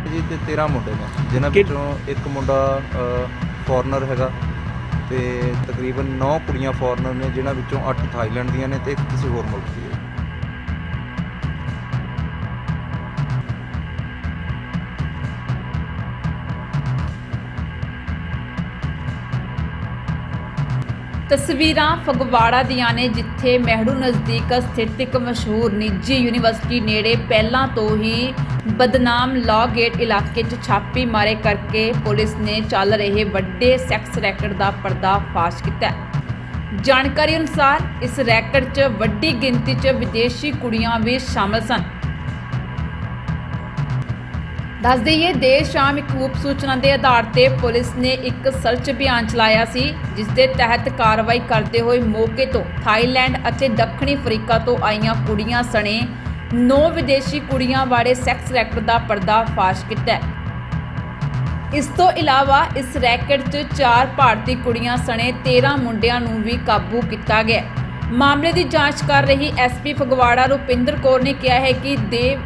जी ते 13 मुंडे ने, जिन्हां विचों एक मुंडा फॉरनर हैगा ते तकरीबन 9 कुड़ियां फॉरनर ने, जिन्हां विचों 8 थाईलैंड दियां ने ते एक किसी होर मुल्क दी है। ਤਸਵੀਰਾਂ ਫਗਵਾੜਾ ਦੀਆਂ ਨੇ, ਜਿੱਥੇ ਮਹਿੜੂ ਨਜ਼ਦੀਕ ਸਥਿਤ ਇੱਕ ਮਸ਼ਹੂਰ ਨਿੱਜੀ ਯੂਨੀਵਰਸਿਟੀ ਨੇੜੇ ਪਹਿਲਾਂ ਤੋਂ ਹੀ ਬਦਨਾਮ ਲਾਅ ਗੇਟ ਇਲਾਕੇ 'ਚ ਛਾਪੀ ਮਾਰੇ ਕਰਕੇ ਪੁਲਿਸ ਨੇ ਚੱਲ ਰਹੇ ਵੱਡੇ ਸੈਕਸ ਰੈਕਟ ਦਾ ਪਰਦਾਫਾਸ਼ ਕੀਤਾ ਹੈ। ਜਾਣਕਾਰੀ ਅਨੁਸਾਰ ਇਸ ਰੈਕਟ 'ਚ ਵੱਡੀ ਗਿਣਤੀ 'ਚ ਵਿਦੇਸ਼ੀ ਕੁੜੀਆਂ ਵੀ ਸ਼ਾਮਲ ਸਨ। ਦੱਸ ਦੇਈਏ, ਦੇਰ ਸ਼ਾਮ ਇੱਕ ਗੁਪਤ ਸੂਚਨਾ ਦੇ ਆਧਾਰ ਤੇ ਪੁਲਿਸ ਨੇ ਇੱਕ ਸਰਚ ਅਭਿਆਨ ਚਲਾਇਆ ਸੀ, ਜਿਸ ਦੇ ਤਹਿਤ ਕਾਰਵਾਈ ਕਰਦੇ ਹੋਏ ਮੌਕੇ ਤੋਂ ਥਾਈਲੈਂਡ ਅਤੇ ਦੱਖਣੀ ਅਫਰੀਕਾ ਤੋਂ ਆਈਆਂ ਕੁੜੀਆਂ ਸਣੇ 9 ਵਿਦੇਸ਼ੀ ਕੁੜੀਆਂ ਵਾਲੇ ਸੈਕਸ ਰੈਕਟ ਦਾ ਪਰਦਾਫਾਸ਼ ਕੀਤਾ ਹੈ। ਇਸ ਤੋਂ ਇਲਾਵਾ ਇਸ ਰੈਕਟ 'ਚ 4 ਭਾਰਤੀ ਕੁੜੀਆਂ ਸਣੇ 13 ਮੁੰਡਿਆਂ ਨੂੰ ਵੀ ਕਾਬੂ ਕੀਤਾ ਗਿਆ। ਮਾਮਲੇ ਦੀ ਜਾਂਚ ਕਰ ਰਹੀ ਐਸਪੀ ਫਗਵਾੜਾ ਰੁਪਿੰਦਰ ਕੌਰ ਨੇ ਕਿਹਾ ਹੈ ਕਿ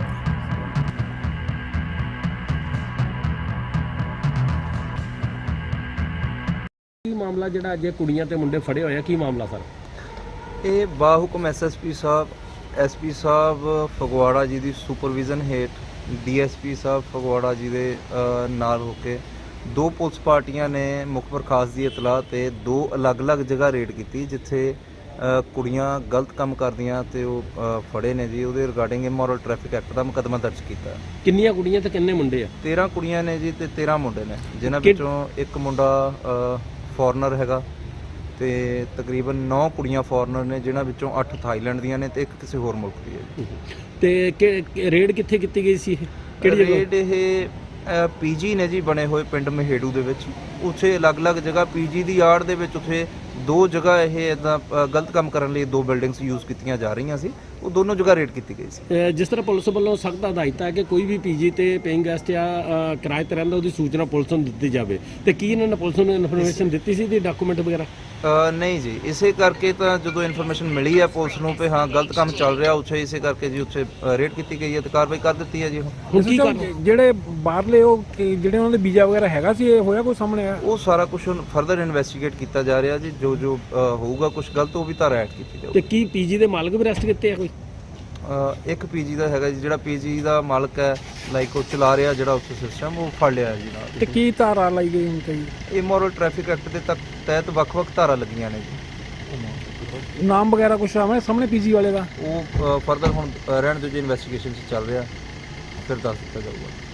ਕੀ ਮਾਮਲਾ ਜਿਹੜਾ ਅੱਜ ਕੁੜੀਆਂ ਤੇ ਮੁੰਡੇ ਫੜੇ ਹੋਏ ਆ, ਕੀ ਮਾਮਲਾ ਸਰ? ਇਹ ਬਾਹੁਕਮ ਐਸਐਸਪੀ ਸਾਹਿਬ, ਐਸਪੀ ਸਾਹਿਬ ਫਗਵਾੜਾ ਜੀ ਦੀ ਸੁਪਰਵਿਜ਼ਨ ਹੇਠ ਡੀਐਸਪੀ ਸਾਹਿਬ ਫਗਵਾੜਾ ਜੀ ਦੇ ਨਾਲ ਹੋ ਕੇ 2 ਪੁਲਿਸ ਪਾਰਟੀਆਂ ਨੇ ਮੁਖਬਰ ਖਾਸ ਦੀ ਇਤਲਾਹ ਤੇ 2 ਅਲੱਗ-ਅਲੱਗ ਜਗ੍ਹਾ ਰੇਡ ਕੀਤੀ, ਜਿੱਥੇ ਕੁੜੀਆਂ ਗਲਤ ਕੰਮ ਕਰਦੀਆਂ ਤੇ ਉਹ ਫੜੇ ਨੇ ਜੀ। ਉਹਦੇ ਰਿਗਾਰਡਿੰਗ ਇਮੋਰਲ ਟ੍ਰੈਫਿਕ ਐਕਟ ਦਾ ਮੁਕੱਦਮਾ ਦਰਜ ਕੀਤਾ। ਕਿੰਨੀਆਂ ਕੁੜੀਆਂ ਤੇ ਕਿੰਨੇ ਮੁੰਡੇ ਆ? 13 ਕੁੜੀਆਂ ਨੇ ਜੀ ਤੇ 13 ਮੁੰਡੇ ਨੇ, ਜਿਨ੍ਹਾਂ ਵਿੱਚੋਂ ਇੱਕ ਮੁੰਡਾ ਫੋਰਨਰ ਹੈਗਾ ਤੇ ਤਕਰੀਬਨ 9 ਕੁੜੀਆਂ ਫੋਰਨਰ ਨੇ, ਜਿਨ੍ਹਾਂ ਵਿੱਚੋਂ 8 ਥਾਈਲੈਂਡ ਦੀਆਂ ਨੇ ਤੇ ਇੱਕ ਕਿਸੇ ਹੋਰ ਮੁਲਕ ਦੀ ਹੈ ਜੀ। ਤੇ ਰੇਡ ਕਿੱਥੇ ਕੀਤੀ ਗਈ ਸੀ? ਕਿਹੜੀ ਜਗ੍ਹਾ? ਰੇਡ ਇਹ ਪੀਜੀ ਨੇ ਜੀ ਬਣੇ ਹੋਏ ਪਿੰਡ ਮਹੇੜੂ ਦੇ ਵਿੱਚ। ਉੱਥੇ ਅਲੱਗ-ਅਲੱਗ ਜਗ੍ਹਾ ਪੀਜੀ ਦੀ ਆੜ ਦੇ ਵਿੱਚ ਉੱਥੇ 2 ਜਗ੍ਹਾ ਇਹ ਇੱਦਾਂ ਗਲਤ ਕੰਮ ਕਰਨ ਲਈ 2 ਬਿਲਡਿੰਗਸ ਯੂਜ਼ ਕੀਤੀਆਂ ਜਾ ਰਹੀਆਂ ਸੀ, ਉਹ ਦੋਨੋਂ ਜਗ੍ਹਾ ਰੇਡ ਕੀਤੀ ਗਈ ਸੀ। ਜਿਸ ਤਰ੍ਹਾਂ ਪੁਲਿਸ ਵੱਲੋਂ ਸਖਤ ਹਦਾਇਤਾਂ ਹੈ ਕਿ ਕੋਈ ਵੀ ਪੀਜੀ ਤੇ ਪੇਇੰਗ ਗੈਸਟ ਜਾਂ ਕਿਰਾਏ ਤੇ ਰਹਿੰਦਾ ਉਹਦੀ ਸੂਚਨਾ ਪੁਲਿਸ ਨੂੰ ਦਿੱਤੀ ਜਾਵੇ, ਤੇ ਕੀ ਇਹਨਾਂ ਨੇ ਪੁਲਿਸ ਨੂੰ ਇਨਫੋਰਮੇਸ਼ਨ ਦਿੱਤੀ ਸੀ ਦੀ ਡਾਕੂਮੈਂਟ ਵਗੈਰਾ? ਨਹੀਂ ਜੀ, ਇਸੇ ਕਰਕੇ ਤਾਂ ਜਦੋਂ ਇਨਫੋਰਮੇਸ਼ਨ ਮਿਲੀ ਹੈ ਪੁਲਿਸ ਨੂੰ ਕਿ ਹਾਂ ਗਲਤ ਕੰਮ ਚੱਲ ਰਿਹਾ ਉੱਥੇ, ਇਸੇ ਕਰਕੇ ਜੀ ਉੱਥੇ ਰੇਡ ਕੀਤੀ ਗਈ ਹੈ ਤੇ ਕਾਰਵਾਈ ਕਰ ਦਿੱਤੀ ਹੈ ਜੀ। ਹੁਣ ਕੀ ਕਰ ਜਿਹੜੇ ਬਾਹਰਲੇ ਉਹ ਜਿਹੜੇ ਉਹਨਾਂ ਦੇ ਵੀਜ਼ਾ ਵਗੈਰਾ ਹੈਗਾ ਸੀ, ਇਹ ਹੋਇਆ ਕੋਈ ਸਾਹਮਣੇ ਆਇਆ? ਉਹ ਸਾਰਾ ਕੁਝ ਫਰਦਰ ਇਨਵੈਸਟੀਗੇਟ ਕੀਤਾ ਜਾ ਰਿਹਾ ਜੀ। ਜੋ ਹੋਊਗਾ ਕੁਝ ਗਲਤ ਉਹ ਵੀ ਧਾਰਾ ਐਡ ਕੀਤੀ ਜਾਊਗੀ। ਤੇ ਕੀ ਪੀਜੀ ਦੇ ਮਾਲਕ ਵੀ ਅਰੈਸਟ ਕੀਤੇ ਆ ਕੋਈ? ਇੱਕ ਪੀਜੀ ਦਾ ਹੈਗਾ ਜੀ, ਜਿਹੜਾ ਪੀਜੀ ਦਾ ਮਾਲਕ ਹੈ ਲਾਈਕ ਉਹ ਚਲਾ ਰਿਹਾ ਜਿਹੜਾ ਉੱਥੇ ਸਿਸਟਮ, ਉਹ ਫੜ ਲਿਆ ਜੀ ਨਾਲ। ਤੇ ਕੀ ਧਾਰਾ ਲਾਈ ਗਈ ਹੁਣ ਤੇ? ਇਮੋਰਲ ਟ੍ਰੈਫਿਕ ਐਕਟ ਦੇ ਤਹਿਤ ਵੱਖ-ਵੱਖ ਧਾਰਾ ਲੱਗੀਆਂ ਨੇ ਜੀ। ਨਾਮ ਵਗੈਰਾ ਕੁਛ ਆਵੇਂ ਸਾਹਮਣੇ ਪੀਜੀ ਵਾਲੇ ਦਾ? ਉਹ ਫਰਦਰ ਹੁਣ ਰਹਿਣ ਦਿਓ ਜੀ, ਇਨਵੈਸਟੀਗੇਸ਼ਨ 'ਚ ਚੱਲ ਰਿਹਾ, ਫਿਰ ਦੱਸ ਦਿੱਤਾ ਜਾਊਗਾ।